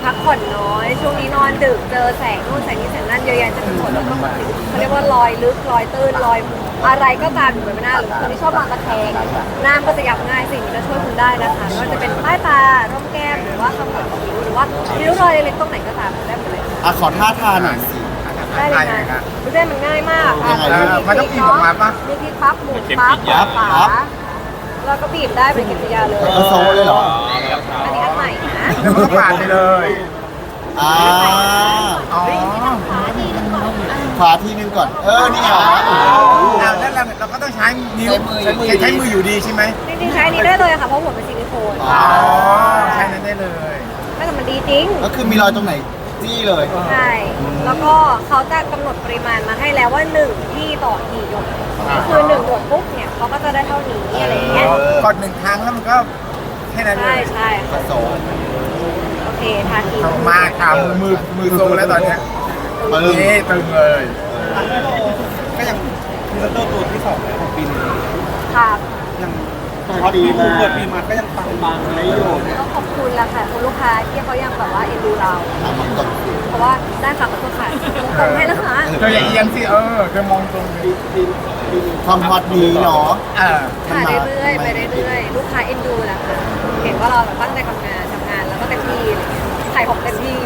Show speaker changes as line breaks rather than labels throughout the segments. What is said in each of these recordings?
พักผ่อนน้อยช่วงนี้นอนดึกเจอแสงนู่นแสงนี้แสงนั่นเยอะแยะเต็มไปหมดแล้วก็เขาเรียกว่ารอยลึกรอยตื้นรอยอะไรก็ตามอยู่บนหน้าหรือคนที่ชอบนอนตะแคงหน้าก็จะยับง่ายสิ่งนี้จะช่วยคุณได้นะคะไม่ว่าจะเป็นใต้ตาร่องแก้มหรือว่าขมวดคิ้วหรือว่าริ้วรอยเล็กๆตรงไหนก็ตามได้หมดเลย
ขอท่าทานหน่อยสิ
ได้เลยนะดูได้มันง่ายมาก
มันต้องกินออกมาปะ
มีพริกปั๊บหมูปั๊บฝาแล้วก็บีบได้เป็นกิริยาเลย
เป็นโซเลยเหรอ
อันนี้อันใหม่นะ
แล้วมันก็ผ่านไปเลย
อ่า
อ๋อ
ขวาทีนึงก่อน นี่เหรอ
แล้วเราก็ต้องใช้นิ้วใช้มืออยู่ดีใช่ไหม
จริงๆใช้อันนี้ได้เลยค่ะเพราะหัวเป็นซิลิโคน
อ๋อใช้นั้นได้เลย
แต่มันดีจริง
ก็คือมีรอยตรงไหนจี้เลย
ใช่ แล้วก็เขาจะกำหนดปริมาณมาให้แล้วว่า1ที่ต่อกี่หยดก็คือ1หยดปุ๊บเนี่ยเขาก็จะได้เท่านี้อะไรอย่างเงี้ย
กด1 ครั้งแล้วมันก็แค่นั้นเล
ใช่
ย
ใช่
ผสม
โอเคทาที
เอามาทำมือโซแล้วตอนเนี้ย
ปึ้ง
นี่ตึงเลย
ก็ยังพรีเซนเตอร์ตัวที่2แล้วของปีนี้
ค่ะ
ยัง
พอดี
ปี
มาก
เปิดปีมาก็ยังปังๆไม่อยู่
ก็ขอบคุณละค่ะคุณลูกค้าที่เขายังแบบว่าเอ็นดูเรา
มันตก
เพราะว่าได้ค่ะขอโทษค่ะตรงให้แล้วค่ะ
เธออย่าเอียงสิเธอมองตรงนี้
ความฮอตดีเนาะ
ค่ะเรื่อยๆไปเรื่อยๆลูกค้าเอ็นดูแหละค่ะเห็นว่าเราแบบตั้งใจทำงานแล้วก็เต็มที่อะไรเงี้ยขายของเต็มที่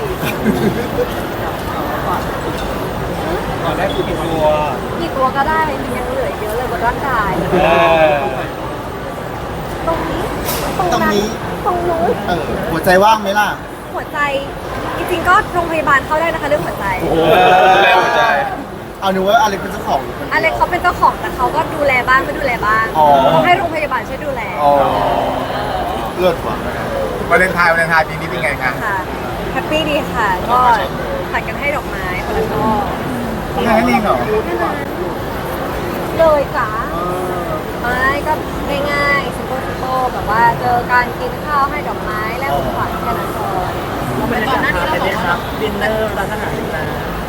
ก่อนได้กี่ตัว
กี่ตัวก็ได้จริงๆยังเหลือเยอะเลยบนร่างกาย ตรงนี้ตรงนู้น
หัวใจว่างไหมล่ะ
หัวใจจริงๆก็โรงพยาบาลเข้าได้นะคะเรื่องหัวใจ
แล้วใจ
เอาหนูว่าอะไรเป็นเจ้าของ
อะไรเขาเป็นเจ้าของแต่เขาก็ดูแลบ้างไม่ดูแลบ้าง
อ๋อ
เขาให้โรงพยาบาลช่วยดูแล
เลิศว่ะ
วาเลนไทน์ปีนี้เป็นไงคะ
ค่ะแฮปปี้ดีค่ะ ก็ผัดกันให้ดอกไม้คนละช่อ
แค่นั้นเองเหรอ
เลยจ้าไม่ก็ง่ายๆซิมเปิลแบบว่าเจอการกินข้าวให้ดอกไม้แลกของขวัญแค่นั้นพอ
ก่อนหน้านี้เราบอกว่าดินเนอร์ร้านอาหารนะ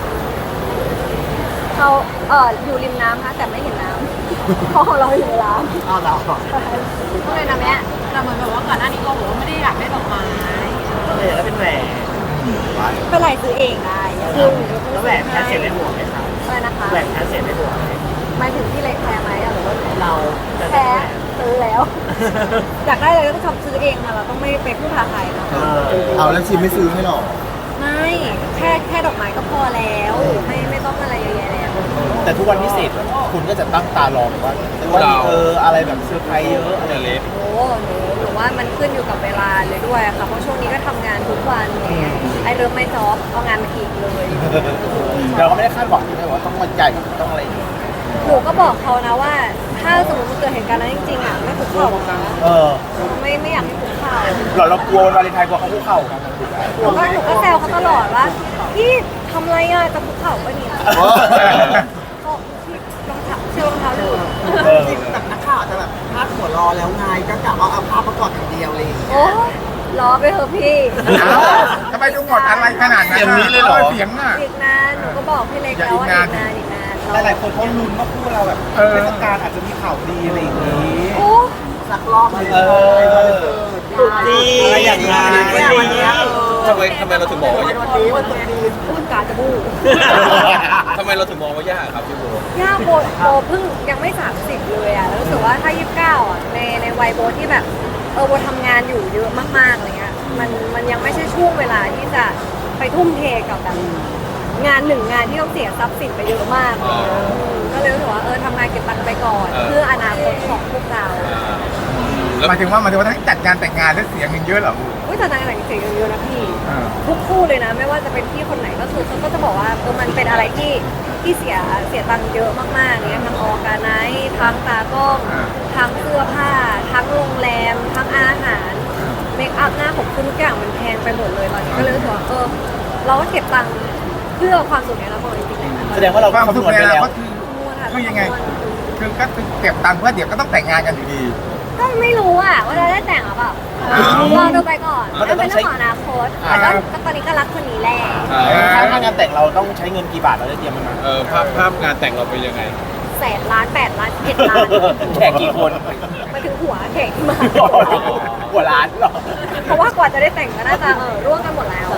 เขาอยู่ริมน้ำค่ะแต่ไม่เห็นน้ำเพราะของเราอยู่ในร้าน
อ้าวเหรอ
ก็เลยนะแม่
แต่เหมือนแบบว่าก่อนหน้านี้เราบอกว่าไม่ได้อยากได้ดอกไม้
ก็เลยแล้วเป็นแหวน
เป็นไรซื้อเองได้คือ
แล้วแหวนแพ้เสียในหัวไหมครับ
อะไรนะคะ
แหวนแพ้เสียในหัวไหม
หมายถึงที่เล็กแพ้ไหมหรือว่า
เราจะ
แพ้ซื้อแล้ว อยากได้อะไรก็ต้องทำซื้อเองค่ะเราต้องไม่ไปพึ่งพาใครนะ
เอาแล้วชิมไม่ซื้อให้หรอ
ไม่แค่ดอกไม้ก็พอแล้วไม่ต้องอะไรเยอะแยะแล้ว
แต่ทุกวันพิเศษคุณก็จะตั้งตารอว่าวันนี้อะไรแบบเซอร์ไพรส์เยอะอะไรเล็ก
โอ้หนูว่ามันขึ้นอยู่กับเวลาเลยด้วยค่ะเพราะช่วงนี้ก็ทำงานทุกวันเนี่ยไอ้เริ่มไม่จ็อบเอางานมาอีกเลย
เราก็ไม่ได้คาดหวังใช่ไหมว่าต้องวันใหญ่ต้องอะไร
หนูก็บอกเขานะว่า ถ้าสมมติมันเกิดเหตุการณ์นั้นจริงๆอ่ะไม่คุกเข่านะไม่อยากให้คุกเข่า
เรากลัววาเลนไทน์กลัวเขาคุกเข่า
หนูก็แซวเขาตลอดว่าพี่ทำอะไรอ่ะจะคุกเข่าปะเนี่ยก็รองเท้าเชื่อรองเท้าดู
จริงแบบนักข่าวจะแบบพาดหัวรอแล้วไงก็กะว่าเอาภาพประกอบอย่างเดียวเลย
โอ้ล้อไปเถอะพี่
ทำไมต้องหมดอะไรขนาดนั้นเสียงอ่ะ
อีกนานหนูก็บอกพี่เล็กแล้วว่าอีกนาน
หลายๆคนเขาลุ้นว่าคู่เราแบบเทศกาลอาจจะมีข่าวดีอะไรอย่างนี้
โอ้
สักรอบเลย
ตุ๊กจีอะไรอย่างนั้น
วันนี้
ทำไมเราถึงมองว่า
วันนี้วันตรุษจีน
พูดกาจะบู
ทำไมเราถึงมองว่ายากครับพี่โบ
ย่าโบเพิ่งยังไม่30เลยอ่ะแล้วรู้สึกว่าถ้า29อ่ะในวัยโบที่แบบโบทำงานอยู่เยอะมากๆอะไรเงี้ยมันยังไม่ใช่ช่วงเวลาที่จะไปทุ่มเทกับแบบงานหนึ่งงานที่ต้องเสียทรัพย์สินไปเยอะมากก็เลยรู้สึกว่าทำงานเก็บตังค์ไปก่อน เพื่ออนาคตของพวกเรา
หมายถึงว่าทั้งจัดงานแต่งงานแล้วเสียงเงินเยอะเหรอ
อุ้ยแต่นางแต่งเสียงเยอะนะพี่ทุกคู่เลยนะไม่ว่าจะเป็นพี่คนไหนก็คือเขาก็จะบอกว่ามันเป็นอะไรที่เสียตังค์เยอะมากๆเนี่ยทั้งออร์แกไนซ์ทั้งตากล้องทั้งเสื้อผ้าทั้งโรงแรมทั้งอาหารเมคอัพหน้าผมคือทุกอย่างมันแพงไปหมดเลยตอนนี้ก็เลยรู้สึกว่าเราก็เก็บตังค์เพื่อความสุขในอนาคตจริงๆนะ
แสดงว่าเรา
ความ
คำ
สุ
น
ข
วณ
ใน
ไป
อนา
แล้ว
คตคือยังไง คือก็เก็บตังค์เพื่อเดี๋ยวก็ต้องแต่งงานกันอยู่ดี
ก็ไม่รู้อะว่าเราได้แต่งหรือเปล่าลองดูไปก่อนมันเป็นเรื่องของอนาคตแต่ก็ตอนนี้ก็รักคนนี้แหละ
ถ้างานแต่งเราต้องใช้เงินกี่บาทเราได้เตรียมมันมา
ภาพงานแต่งเราเป็นยังไง
100,000 ล้าน8 ล้าน7 ล้าน
แขกกี่คน
มาถึงหัวแขกที่มา
หัวล้านหรอ
เพราะว่ากว่าจะได้แต่งก็น่าจะร่วงกันหมดแล้ว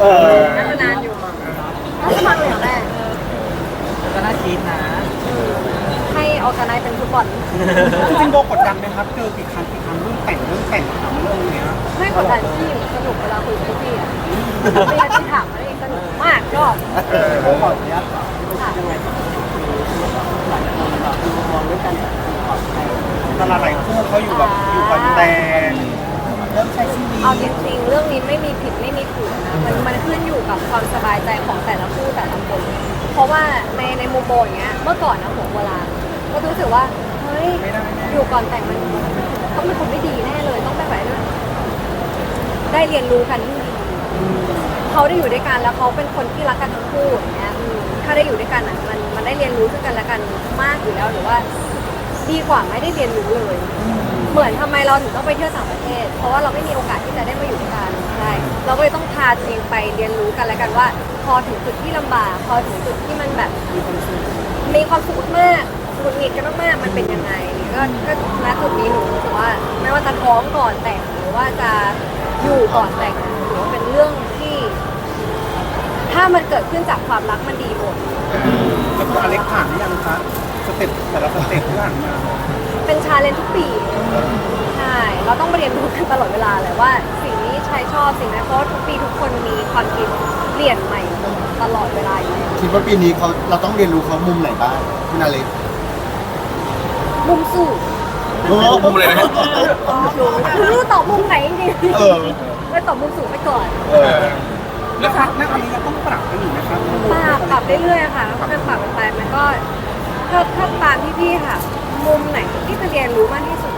น่าจะนานอยู่น่าจะมาอย่างแรก
ก็น่าคิดนะ
ให้ออกกันไนเป็นฟุตบอล
จริงๆโบกดดันไหมครับเจอกี่ครั้งเรื่องแต่งถามเรื่องเนี้ย
ไม่กดดันพี่สนุกเวลาคุยกับพี่อ่ะพี่ที่ถามอะไรสนุกมากชอบ
ขออนุญาตยังไงหลายคนแบบมองด้วยกันปลอดภัย
ตลาดหลายคู่เขาอยู่กับแต่เริ่มใช้ชีวิต
เอาจริงๆเรื่องนี้ไม่มีผิดไม่มีถูกนะมันขึ้นอยู่กับความสบายใจของแต่ละคู่แต่ละคน เพราะว่าในมุมโบอย่างเงี้ยเมื่อก่อนนะหัวโบราณก็รู้สึกว่าเฮ้ยอยู่ก่อนแต่งมันต้องเป็นคนไม่ดีแน่เลยต้องไปไหนเลยได้เรียนรู้กันที่ดีเขาได้อยู่ด้วยกันแล้วเขาเป็นคนที่รักกันทั้งคู่อย่างเงี้ยถ้าได้อยู่ด้วยกันอ่ะมันได้เรียนรู้ซึ่งกันและกันมากอยู่แล้วหรือว่าดีกว่าไม่ได้เรียนรู้เลย เหมือนทำไมเราถึงต้องไปเที่ยวต่างประเทศ เพราะว่าเราไม่มีโอกาสที่จะได้มาอยู่ด้วยกันใช่เราก็เลยต้องพาตัวเองไปเรียนรู้กันแล้วกันว่า พอถึงจุดที่ลำบากพอถึงจุดที่มันแบบมีความสุขมากหงุดหงิดกันมากๆมันเป็นยังไงก็ณจุดนี้หนูรู้สึกว่าไม่ว่าจะท้องก่อนแต่งหรือว่าจะอยู่ก่อนแต่งหรือว่าเป็นเรื่องที่ ถ้ามันเกิดขึ้นจากความรักมันดีหมด
แล้วคุณอเล็กผ่านหรือยังคะสเต็ปแต่ละสเต็ปที่ผ่านมา
เป็นชาเลนจ์ทุกปีใช่เราต้องเรียนรู้กันตลอดเวลาเลยว่าสิ่งนี้ชายชอบสิ่งนั้นเพราะทุกปีทุกคนมีความคิดเปลี่ยนใหม่ตลอดเวลาอยู่แล้ว
คิดว่าปีนี้เราต้องเรียนรู้เขามุมไหนบ้างคุณอาเล็ก
มุมสู้
มุมเลยนะ
หนูไม่รู้ตอบมุมไหนจริง
เออ
ๆเลยตอบมุมสูงไปก่อน
แล้วณตอนนี้เราต้องปรับกันอยู่นะครับ
ปรับเรื่อยๆค่ะค่อยๆปรับกันไปมันก็ถ้าตามพี่ๆค่ะ มุมไหนที่จะเรียนรู้มากที่สุด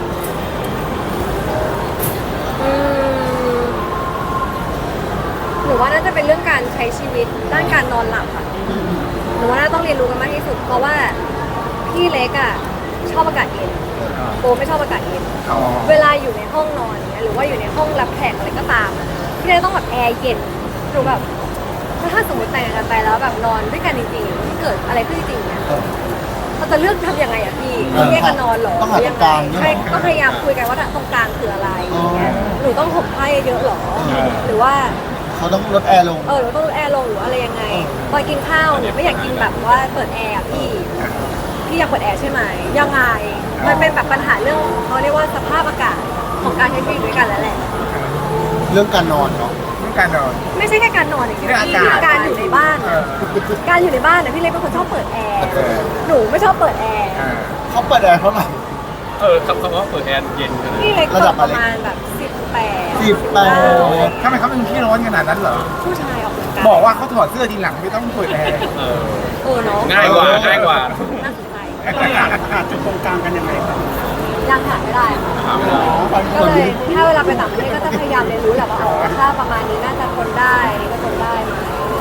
หนูว่าน่าจะเป็นเรื่องการใช้ชีวิตด้านการนอนหลับค่ะหนูว่าน่าต้องเรียนรู้กันมากที่สุด เพราะว่าพี่เล็กอ่ะชอบอากาศเย็นโบไม่ชอบอากาศเย็นเวลาอยู่ในห้องนอนเนี้ยหรือว่าอยู่ในห้องรับแขกอะไรก็ตามอะพี่เล็กต้องแบบแอร์เย็นหนูแบบถ้าสมมติแต่งงานกันไปแล้วแบบนอนด้วยกันจริงๆที่เกิดอะไรขึ้นจริงๆเนี่ยเราจะเลือกทำยังไงอะพี่แยกกันนอนเหรอ
ต้องหาตรงกลาง
ใช่ก็พยายามคุยกันว่าตรงกลางคืออะไรอย่างเงี้ยหนูต้องห่มผ้าเยอะๆหรอหรือว่า
เขาต้องลดแอร์ลง
เราต้องลดแอร์ลงหรืออะไรยังไงตอนกินข้าวเนี่ยไม่อยากกินแบบว่าเปิดแอร์อะพี่อยากเปิดแอร์ใช่ไหมยังไงมันเป็นแบบปัญหาเรื่องเขาเรียกว่าสภาพอากาศของการใช้ชีวิตด้วยกันแล้วแหละ
เรื่องการนอนเนาะ
เรื่องการนอน
ไม่ใช่แค่การนอนอย่างเดียว
เรื่อง
พี่
อากาศ
การอยู่ในบ้านอะการอยู่ในบ้านเนี่ยพี่เล็กเป็นคนชอบเปิดแอร์หนูไม่ชอบเปิดแอร์
เขาเปิดแอร์เท่าไหร่
คำว่าเปิดแอร์เย็นขนาด
พี่เล็ก
ระ
เปิ
ดั
ด
บ
ป
อะไร
ระมาณแบบ18
18
ทำไมเขาเป็นขี้ร้อนขนาดนั้นเหรอ
ผู้ชายออกกำลังกาย
บอกว่าเขาถอดเสื้อทีหลังไม่ต้องเปิดแอร์
เนาะ
ง่ายกว่าง่ายกว่า
น่าสนใจ
หาจุดตรงกลางกันยังไงครับ
ยังหาไม่ได้ค่ะ
ถามไม่ได้
ก็เลยถ้าเวลาไปต่างประเทศก็จะพยายามเรียนรู้แหละว่าอ๋อถ้าประมาณนี้น่าจะทนได้ก็ทนได้ไหม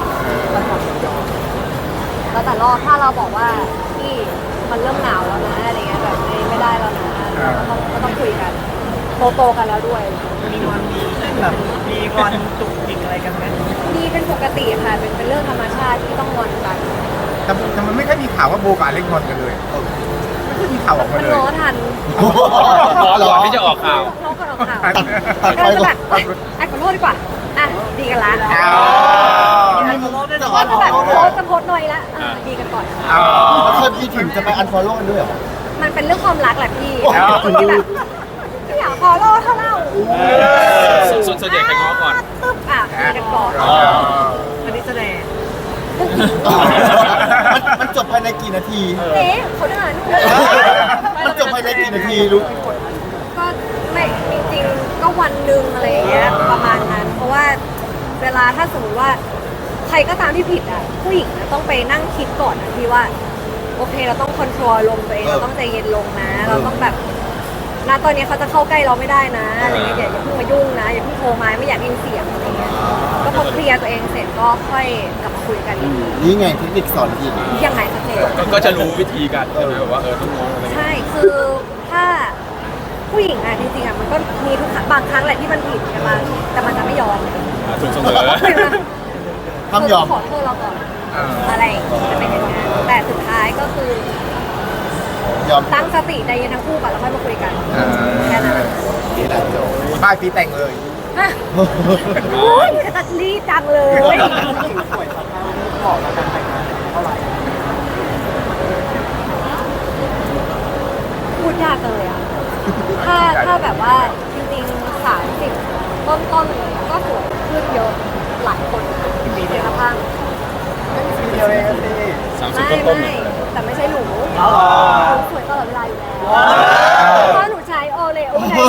แล้วแต่รอบถ้าเราบอกว่าพี่มันเริ่มหนาวแล้วนะอะไรเงี้ยแบบไม่ได้แล้วนะก็ต้องคุยกันโตๆกันแล้วด้วย
มีวันมีแบบมีวันจุกจิกอะไรกันไหม
นี่เป็นปกติค่ะเป็นเรื่องธรรมชาติที่ต้องงอนกัน
แต่มันไม่ค่อยมีข่าวว่าโบกับอเล็กงอนกันเลยไม่ค่อยมีข่าวออกมา
มัน
เลย
ล้อทัน
รอก่อนที่จะออกข่าว
ล้อก่อนออกข่าว
ตัด
ก็
ไป
จะ
ก่อ
แบ
น
บไอ้ขอโทษดีกว่าอ่ะดีกันละ
จะอัน
ก็
ฟ
แบ
อบ ลโล่
โพ
ด้วย
สต์จะโพสต์หน่อยละดีกันก่อน
แล้วเคยมีถึงจะไปอันฟอลโล่กันด้วยเหรอ
มันเป็นเรื่องความรักแหละพี่
โอ้โห
ที่แบบไม่อยากฟอลโล่เท่าเล่า
ส่วนใหญ่ใครง้อก่อน
ตึ๊บอ่ะดีกันก่อน
อันนี้แสดง
มันจบภายในกี่นาที
เอ๊ะเขาเดิน
มันจบภายในกี่นาทีรู้
ก็ไม่จริงๆก็วันหนึ่งอะไรอย่างเงี้ยประมาณนั้น เพราะว่าเวลาถ้าสมมติว่าใครก็ตามที่ผิดอ่ะผู้หญิงนะต้องไปนั่งคิดก่อนนะพี่ว่าโอเคเราต้องคอนโทรลลมตัวเองเราต้องใจเย็นลงนะ เราต้องแบบณตอนนี้เขาจะเข้าใกล้เราไม่ได้นะอะไรเงี้ยอย่าเพิ่งมายุ่งนะอย่าเพิ่งโทรมาไม่อยากได้ยินเสียงอะไรเงี้ยก็พอเคลียร์ตัวเองเสร็จก็ค่อยกลับมาคุยกันอีกที
นี่ไงเทคนิคสอนอีก
ยังไงสักเจน
ก็จะรู้วิธีการใช่ไหมแบบว่าต้องง้ออะไรเงี้ย
ใช่คือถ้าผู้หญิงอะจริงๆอะมันก็มีทุกครั้งบางครั้งแหละที่มันผิดใช่ไหมแต่มันจะไม่ยอม
ถูกเสมอ
ห้ามยอม
ขอโทษเราก่อนอะไรอย่างเงี้ยจะไม่เป็นงานแต่สุดท้ายก็คือย
อม
ตั้งสติใจเย็นทั้งคู่ก่อนแล้วค่อยมาคุยกันแค่นั้น
นี่แหละจบ
ปลายปีแต่งเลย
ปฮะโอ้ยจะตัดรีบจังเลย
สวยสักครั้งขอมาการแต่งงานเท่าไหร่
พูดยากเลยอ่ะ ถ้าแบบว่าจริงๆ30ต้นๆก็สวยขึ้นเยอะหลายคนมีเดียภาพ
เดียวเองสิ
30 ต้นๆ
ไม่แต่ไม่ใช่หนูหนูสวยตลอดเวลาอยู่แล้วเพราะหนูใช้โอเลโอไง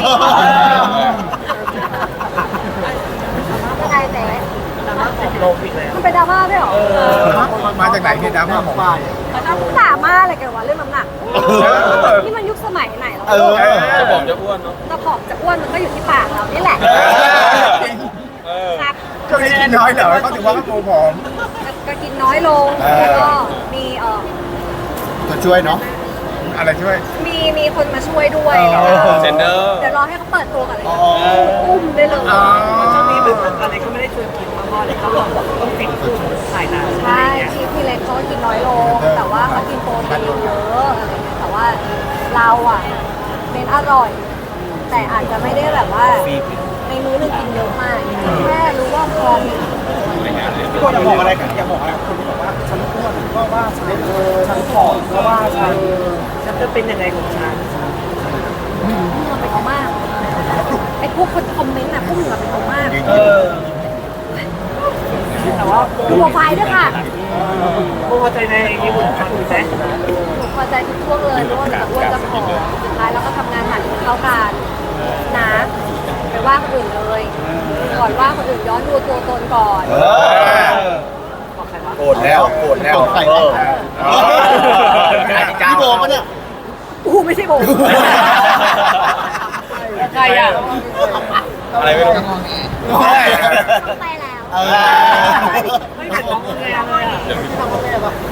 ยังไงแต่
แต่ว่าของโลอีกแล้ว
มันเป็นดราม่าด้วยเหรอ
มาจากไหนเนี่ยดราม่าของ
ฝ่าย
ดราม่าอะไรกันวะเรื่องน้ำหนักนี่มันยุคสมัยไหนแล้ว
จะบอกจะอ้วนเนาะ
กระเพาะจะอ้วนมันก็อยู่ที่ปากเรานี่แหละ
เออ
ครับ
ช่วงนี้กินน้อยเหรอเขาถึงว่าเขาตัวผอม
ก็กินน้อยลง แล้วก็มี
จะช่วยเนาะ
อะไรช่วย
มีคนมาช่วยด้วย
เซนเดอร์
เดี๋ยวรอให้เขาเปิดตัวกันเลยอุ้มได้เลย
ช่วงนี้แบบอะไรก็ไม่ได้ชวนกินมากๆเลยเขาบอกต้องฟิตขึ้นถ่ายนาน
ใช่พี่เล็กเขาก็กินน้อยลง แต่ว่าเขากินโปรตีนเยอะอะไรเงี้ยแต่ว่าเราอ่ะเป็นอร่อย แต่อาจจะไม่ได้แบบว่าในมื้อหนึงกินเยอะมากแค่รู้ว่าพอมี
พี่โบอยากบอกอะไรกันอยากบอกอะไรคนที่บอกว่าฉันอ้วนก็ว่าฉันผอมก็ว่าฉัน
ฉันจะเป็นยังไงของฉัน
มันเป็นเขามาก ไอ้พวกคนคอมเมนต์น่ะพวกมึงอะเป็นเขามาก
แต่ว่า
ดูโปรไฟล์ด้วยค่ะ
พอใจในญี่ปุ่นทำไหม
หนูพอใจทุกช่วงเลยไม่ว่าจะอ้วนจะผอมสุดท้ายเราก็ทำงานหนักเข้ากันนะไปว่าคนอื่นเลยก่อนว่าคนอื่นย้อนดูตัวตนก่อน
บอกใครวะ
โกรธแล้วใครพี่โบปะเนี่ย
กูไม่ใช่โบ
ใครอ่ะ
อะไรไม่รู้
ไปแล้ว
ไม่เห็นน้องเลยอ่ะ
เดี๋ยว